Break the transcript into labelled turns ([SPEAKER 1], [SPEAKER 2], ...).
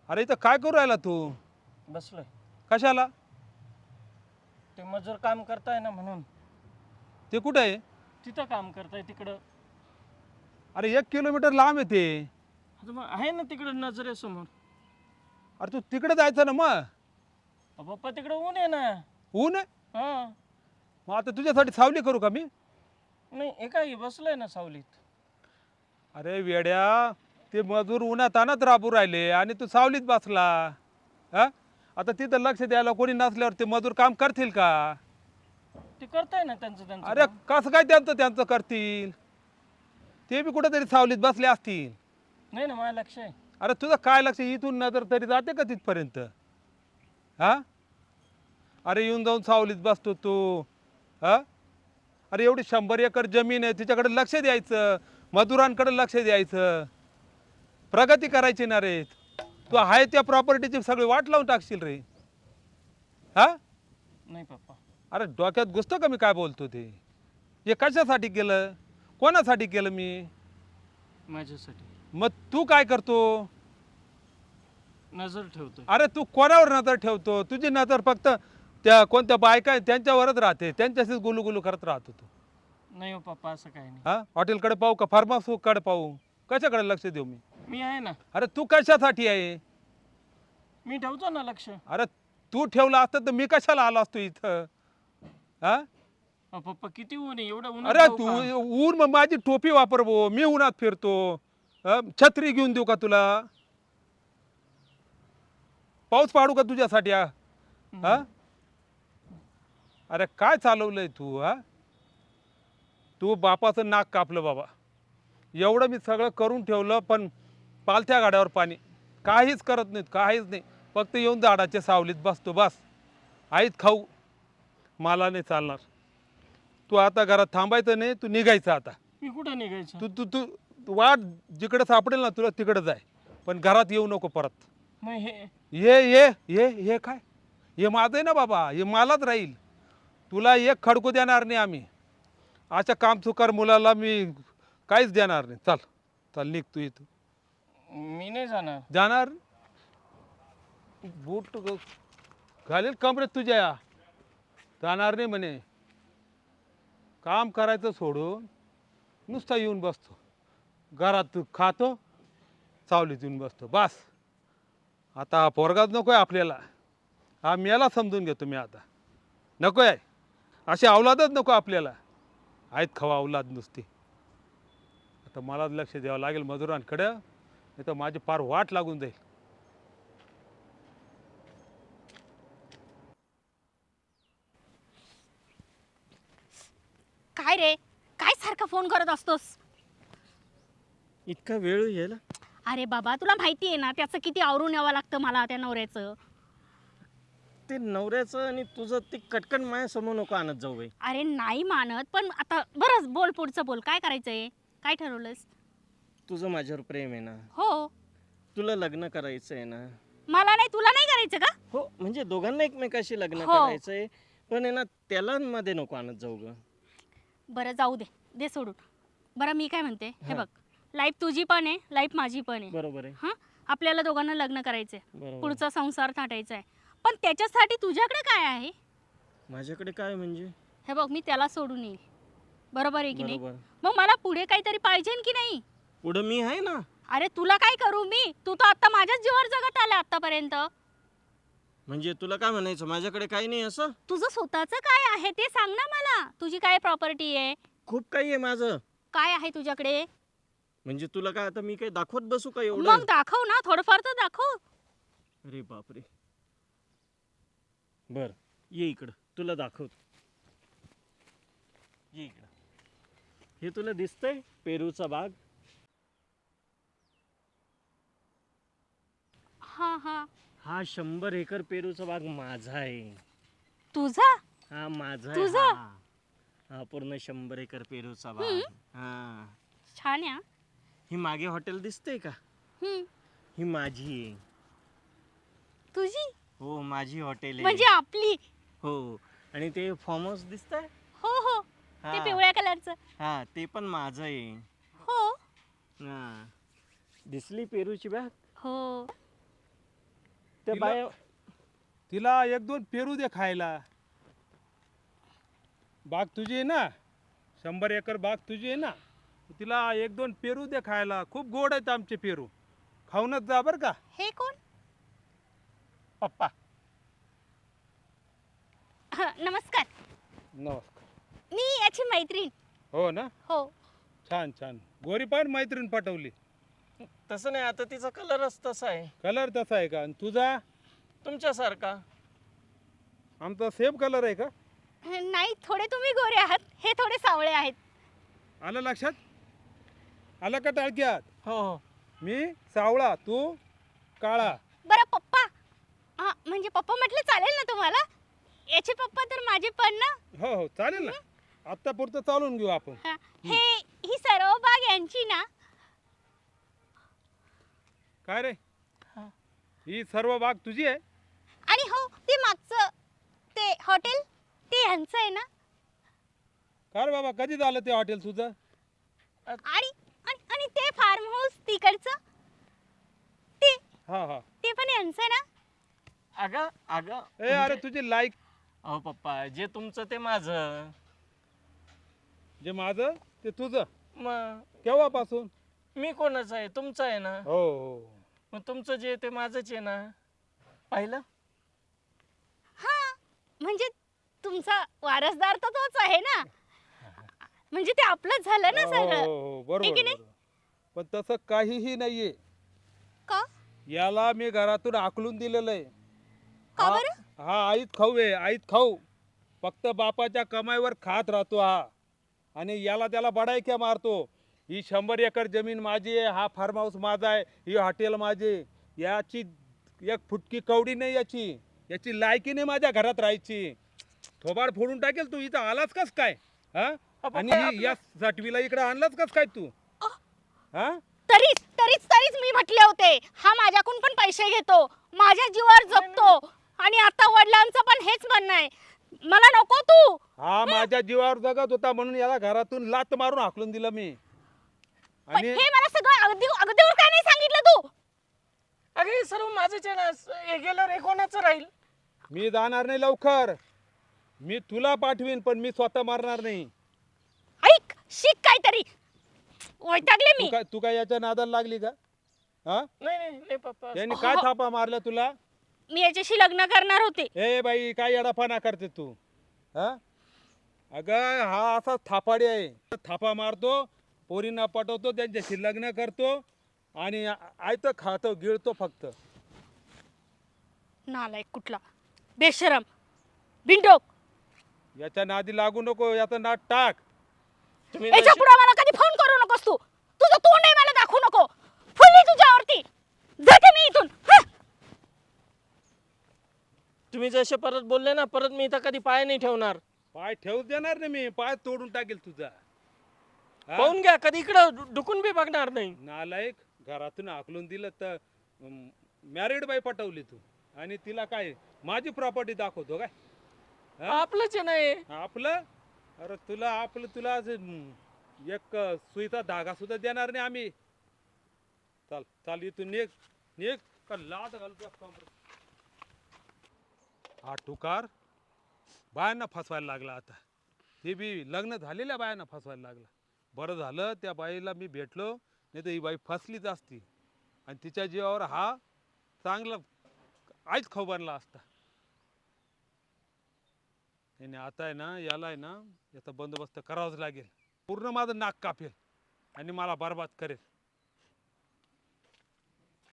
[SPEAKER 1] अरे इथं काय करू राहिला तू?
[SPEAKER 2] बसलोय.
[SPEAKER 1] कशाला?
[SPEAKER 2] ते मजूर काम करताय ना म्हणून.
[SPEAKER 1] ते कुठं आहे?
[SPEAKER 2] तिथं काम करताय तिकडं.
[SPEAKER 1] अरे 1 किलोमीटर लांब आहे ते.
[SPEAKER 2] आता मग आहे ना तिकडं नजरेसमोर.
[SPEAKER 1] अरे तू तिकडे जायचं ना मग.
[SPEAKER 2] पप्पा तिकडं ऊन आहे ना.
[SPEAKER 1] ऊन आहे?
[SPEAKER 2] हा.
[SPEAKER 1] मग आता तुझ्यासाठी सावली करू का मी?
[SPEAKER 2] नाही एका बसलोय ना सावलीत.
[SPEAKER 1] अरे वेड्या, ते मजूर उन्हात आणत राबू राहिले आणि तू सावलीत बसला. हा? आता तिथं लक्ष द्यायला कोणी नसल्यावर ते मजूर काम करतील का?
[SPEAKER 2] ते करताय ना त्यांचं
[SPEAKER 1] अरे
[SPEAKER 2] काम.
[SPEAKER 1] कसं काय त्यांचं करतील? ते बी कुठेतरी सावलीत बसले असतील.
[SPEAKER 2] नाही ना माझं लक्ष आहे.
[SPEAKER 1] अरे तुझं काय लक्ष, इथून नजर तरी जाते का तिथपर्यंत? हा? अरे येऊन जाऊन सावलीत बसतो तू. हा? अरे एवढी 100 एकर जमीन आहे, तिच्याकडे लक्ष द्यायचं, मजुरांकडे लक्ष द्यायचं, प्रगती करायची ना रे. तू आहे त्या प्रॉपर्टीची सगळी वाट लावून टाकशील रे. हा?
[SPEAKER 2] नाही पप्पा.
[SPEAKER 1] अरे डोक्यात घुसतं का मी काय बोलतो ते? हे कशासाठी केलं, कोणासाठी केलं मी?
[SPEAKER 2] माझ्यासाठी.
[SPEAKER 1] मग तू काय करतो?
[SPEAKER 2] नजर ठेवतोय.
[SPEAKER 1] अरे तू कोणावर नजर ठेवतो? तुझी नजर फक्त त्या कोणत्या बायका आहेत त्यांच्यावरच राहते, त्यांच्याशीच गुलुगुलू करत राहतो तू.
[SPEAKER 2] नाही हो पप्पा असं काही नाही.
[SPEAKER 1] हा? हॉटेलकडे पाहू का फार्म हाऊसकडे पाहू? कशाकडे लक्ष देऊ मी?
[SPEAKER 2] मी आहे ना.
[SPEAKER 1] अरे तू कशासाठी आहे?
[SPEAKER 2] मी ठेवतो ना लक्ष.
[SPEAKER 1] अरे तू ठेवलं असतं तर मी कशाला आलो असतो इथं? हा?
[SPEAKER 2] पप्पा किती ऊन आहे एवढं ऊन.
[SPEAKER 1] अरे तू ऊन, मग माझी टोपी वापर भो, मी उन्हात फिरतो. छत्री घेऊन देऊ का तुला? पाऊस पाडू का तुझ्यासाठी? हा? अरे काय चालवलंय तू? हा? तू बापाचं नाक कापलं बाबा. एवढं मी सगळं करून ठेवलं, पण पालथ्या गाड्यावर पाणी. काहीच करत नाहीत, काहीच नाही. फक्त येऊन झाडाच्या सावलीत बसतो बस. आईत खाऊ. मला नाही चालणार. तू आता घरात थांबायचं नाही, तू निघायचं आता.
[SPEAKER 2] मी कुठं निघायचं?
[SPEAKER 1] तू तू तू तू वाट जिकडे सापडेल ना तुला तिकडे जाय, पण घरात येऊ नको परत.
[SPEAKER 2] मग हे
[SPEAKER 1] ये काय? हे माझं आहे ना बाबा, हे मलाच राहील. तुला एक खडकू देणार नाही आम्ही. अशा कामचुकार मुलाला मी काहीच देणार नाही. चल चल निघ तू इथं.
[SPEAKER 2] मी नाही जाणार.
[SPEAKER 1] जाणार? बूट घालेल कमरेत तुझ्या. जाणार नाही म्हणे. काम करायचं सोडून नुसता येऊन बसतो घरात, खातो, सावलीत येऊन बसतो बस. आता हा पोरगाच नको आहे आपल्याला. हा मेला समजून घेतो मी आता. नको आहे, अशी अवलादच नको आपल्याला. आहेत खवा अवलाद नुसती. आता मलाच लक्ष द्यावं लागेल मजुरांकडं, नाही तर माझी फार वाट लागून जाईल.
[SPEAKER 3] काय रे, काय सारखा फोन करत असतोस?
[SPEAKER 2] इतका वेळ यायला?
[SPEAKER 3] अरे बाबा, तुला माहिती आहे ना त्याचं किती आवरून यावं लागतं मला, त्या नवऱ्याचं.
[SPEAKER 2] ते नवऱ्याचं आणि तुझं ते कटकन माया समोर नको आणत जाऊ बाई.
[SPEAKER 3] अरे नाही मानत, पण आता बरं बोल, पुढचं बोल. काय करायचंय? काय ठरवलंस?
[SPEAKER 2] तुझं माझ्यावर प्रेम आहे ना.
[SPEAKER 3] हो.
[SPEAKER 2] तुला लग्न करायचं आहे ना.
[SPEAKER 3] मला नाही, तुला नाही करायचं का?
[SPEAKER 2] हो म्हणजे दोघांना एकमेकाशी लग्न
[SPEAKER 3] हो.
[SPEAKER 2] करायचंय, पण आहे ना त्याला मध्ये नको आणत जाऊ ग.
[SPEAKER 3] बरं जाऊ दे, दे सोडून. बरं मी काय म्हणते, हे
[SPEAKER 2] हा.
[SPEAKER 3] बघ, लाईफ तुझी पण आहे, लाईफ माझी पण आहे.
[SPEAKER 2] बरोबर आहे.
[SPEAKER 3] हां, आपल्याला दोघांना लग्न करायचंय,
[SPEAKER 2] बरोबर.
[SPEAKER 3] पुढचा संसार थाटायचा आहे. पण त्याच्यासाठी तुझ्याकडे काय आहे?
[SPEAKER 2] माझ्याकडे काय म्हणजे?
[SPEAKER 3] हे बघ, मी त्याला सोडून येईल, बरोबर आहे की नाही?
[SPEAKER 2] बरोबर.
[SPEAKER 3] मग मला पुढे काहीतरी पाहिजे की नाही?
[SPEAKER 2] पुढं मी आहे ना.
[SPEAKER 3] अरे तुला काय करू मी? तू तर आता माझ्याच जीवावर जगत आला आतापर्यंत.
[SPEAKER 2] म्हणजे तुला काय म्हणायचं, माझ्याकडे काही नाही असं?
[SPEAKER 3] तुझं स्वतःचं काय आहे ते सांग ना मला. तुझी काय प्रॉपर्टी आहे?
[SPEAKER 2] खूप काही आहे माझं.
[SPEAKER 3] काय आहे तुझ्याकडे?
[SPEAKER 2] म्हणजे तुला काय आता मी काही दाखवत बसू का एवढं?
[SPEAKER 3] मग दाखव ना, थोडंफार तर दाखव.
[SPEAKER 2] अरे बापरे. बर ये इकडं, तुला दाखवतो. ये इकडं. हे तुला दिसतंय पेरूचा बाग?
[SPEAKER 3] हा हा.
[SPEAKER 2] हा 100 एकर पेरूचा बाग माझा आहे.
[SPEAKER 3] तुझा?
[SPEAKER 2] हा माझा
[SPEAKER 3] तुझा?
[SPEAKER 2] आहे हा. हा पूर्ण 100 एकर पेरूचा बाग. हा.
[SPEAKER 3] छान आहे.
[SPEAKER 2] ही मागे हॉटेल दिसतंय का? ही माझी आहे.
[SPEAKER 3] तुझी?
[SPEAKER 2] हो माझी हॉटेल आहे.
[SPEAKER 3] म्हणजे आपली?
[SPEAKER 2] हो. आणि ते फार्म हाऊस दिसतंय?
[SPEAKER 3] हो हो, ते
[SPEAKER 2] हा.
[SPEAKER 3] पिवळ्या कलरचं.
[SPEAKER 2] हा ते पण माझं आहे.
[SPEAKER 3] हो
[SPEAKER 2] हा. दिसली पेरूची बाग?
[SPEAKER 3] हो.
[SPEAKER 2] त्या
[SPEAKER 1] तिला-
[SPEAKER 2] बाया
[SPEAKER 1] तिला एक दोन पेरू दे खायला. बाग तुझी आहे ना, 100 एकर बाग तुझी आहे ना, तिला एक दोन पेरू दे खायला. खूप गोड आहेत आमचे पेरू, खाऊनच जा बरं का.
[SPEAKER 3] हे कोण?
[SPEAKER 2] पप्पा.
[SPEAKER 3] नमस्कार.
[SPEAKER 1] नमस्कार.
[SPEAKER 3] मी याची मैत्रीण.
[SPEAKER 1] हो ना,
[SPEAKER 3] हो.
[SPEAKER 1] छान छान. गोरी पण मैत्रीण पाठवली.
[SPEAKER 2] तसं नाही, आता तिचा कलरच तसा आहे
[SPEAKER 1] कलर तसा आहे का? आणि तुझा?
[SPEAKER 2] तुमच्यासारखा.
[SPEAKER 1] आमचा सेम कलर आहे का?
[SPEAKER 3] नाही, थोडे तुम्ही गोरे आहात, हे थोडे सावळे आहेत.
[SPEAKER 1] आलं लक्षात? आलं का टाळक्यात?
[SPEAKER 2] हो हो.
[SPEAKER 1] मी सावळा, तू काळा.
[SPEAKER 3] बरं पप्पा, हा म्हणजे पप्पा म्हटलं चालेल ना तुम्हाला? याचे पप्पा तर माझे पण ना.
[SPEAKER 1] हो हो चालेल ना, आत्ता पुरतं चालून घेऊ आपण.
[SPEAKER 3] हा, ही सर्व बाग यांची ना.
[SPEAKER 1] काय रे,
[SPEAKER 2] हा.
[SPEAKER 1] ही सर्व बाग तुझी आहे?
[SPEAKER 3] आणि हो, ते मागचं ते हॉटेल ते यांचं आहे ना.
[SPEAKER 1] का रे बाबा, कधी झालं ते हॉटेल तुझं?
[SPEAKER 3] आणि आणि आणि ते फार्म हाऊस तिकडचं ते
[SPEAKER 1] हा हा.
[SPEAKER 3] ते पण यांचं आहे ना.
[SPEAKER 2] अगं अगं
[SPEAKER 1] ए अरे तुझी लाईक,
[SPEAKER 2] अहो पप्पा, जे तुमचं ते माझं.
[SPEAKER 1] जे माझं ते तुझं.
[SPEAKER 2] मग
[SPEAKER 1] केव्हापासून?
[SPEAKER 2] मी कोणाचं आहे? तुमचं आहे ना.
[SPEAKER 1] हो हो.
[SPEAKER 2] मग तुमचं जे ते माझंच आहे ना. पाहिलं?
[SPEAKER 3] हा, म्हणजे तुमचा वारसदार तर तोच आहे ना. म्हणजे ते आपलंच झालं ना
[SPEAKER 1] हो,
[SPEAKER 3] सगळं.
[SPEAKER 1] हो, बरोबर
[SPEAKER 3] आहे की नाही?
[SPEAKER 1] बरोबर. पण तसं काहीही नाहीये.
[SPEAKER 3] का?
[SPEAKER 1] याला मी घरातून हाकलून दिलेलं आहे.
[SPEAKER 3] का
[SPEAKER 1] हा-
[SPEAKER 3] बरं?
[SPEAKER 1] हा आईत खाऊ आहे, आईत खाऊ. फक्त बापाच्या कमाईवर खात राहतो हा. आणि याला त्याला बडायक्या मारतो. ही 100 एकर जमीन माझी आहे, हा फार्म हाऊस माझा आहे, ही हॉटेल माझे. याची एक फुटकी कवडी नाही याची. याची लायकी नाही माझ्या घरात राहायची. थोबाड फोडून टाकेल तू. इथं आलाच कस काय? हा? आणि ही या साठवीला इकडे आणलाच कस काय तू? हा?
[SPEAKER 3] तरीच तरीच तरीच मी म्हटले होते, हा माझ्याकडून पण पैसे घेतो, माझ्या जीवावर जगतो. आणि आता वडिलांचं पण हेच म्हणणं आहे, मला नको तू.
[SPEAKER 1] हा माझ्या जीवावर जगत होता म्हणून याला घरातून लात मारून हाकलून दिलं मी.
[SPEAKER 3] पण
[SPEAKER 1] आणि
[SPEAKER 3] हे मला सगळं अगदीवर काय नाही सांगितलं तू.
[SPEAKER 2] अगं हे सर्व माझंच आहे ना. हे गेल्यावर हे कोणाचं राहील?
[SPEAKER 1] मी जाणार नाही लवकर. मी तुला पाठवीन पण मी स्वतः मारणार नाही.
[SPEAKER 3] ऐक, शिक काहीतरी. वैतागले मी.
[SPEAKER 1] तू काय याच्या नादाला लागली का? हा?
[SPEAKER 2] नाही नाही नाही पप्पा.
[SPEAKER 1] यांनी काय थापा मारल्या तुला?
[SPEAKER 3] मी याच्याशी लग्न करणार होते.
[SPEAKER 1] ए बाई, काय येडापणा करते तू? हा? अगं हा असा थापाडी आहे. थापा मारतो, पोरींना पटवतो, त्यांच्याशी लग्न करतो आणि आयतं खातो गिळतो फक्त.
[SPEAKER 3] नालायक कुठला, बेशरम, बिंडोक.
[SPEAKER 1] याच्या नादी लागू नको, याचं नाद टाक.
[SPEAKER 2] तुम्ही
[SPEAKER 3] याच्या पुढे मला कधी फोन करू नकोस तू. तुझं तोंड आहे मला दाखवू नको. फुलली तुझ्यावरती. जाते मी इथून. हं.
[SPEAKER 2] तुम्ही जसे परत बोलले ना, परत मी इथं कधी पाय नाही ठेवणार.
[SPEAKER 1] पाय ठेवूच देणार नाही मी, पाय तोडून टाकेल तुझा. हा?
[SPEAKER 2] पाहून घ्या, कधी इकडं डुकून बी बघणार नाही.
[SPEAKER 1] नालायक, घरातून हाकलून दिलं तर मॅरिड बाई पटवली तू आणि तिला काय माझी प्रॉपर्टी दाखवतो काय? हा?
[SPEAKER 2] आपलंच आहे ना हे.
[SPEAKER 1] आपलं? अरे तुला असं, एक सुईचा धागा सुद्धा देणार नाही आम्ही. चाल चाल इथून निघ निघ का लाद घालतो. हा टुकार बायांना फसवायला लागला आता. ते बी लग्न झालेल्या बायांना फसवायला लागला. बरं झालं त्या बाईला मी भेटलो, नाही तर ही बाई फसलीच असती आणि तिच्या जीवावर हा चांगला आईच खाऊ बनला असता. आणि आता आहे ना, याला आहे ना, याचा बंदोबस्त करावाच लागेल. पूर्ण माझं नाक कापेल आणि मला बरबाद करेल.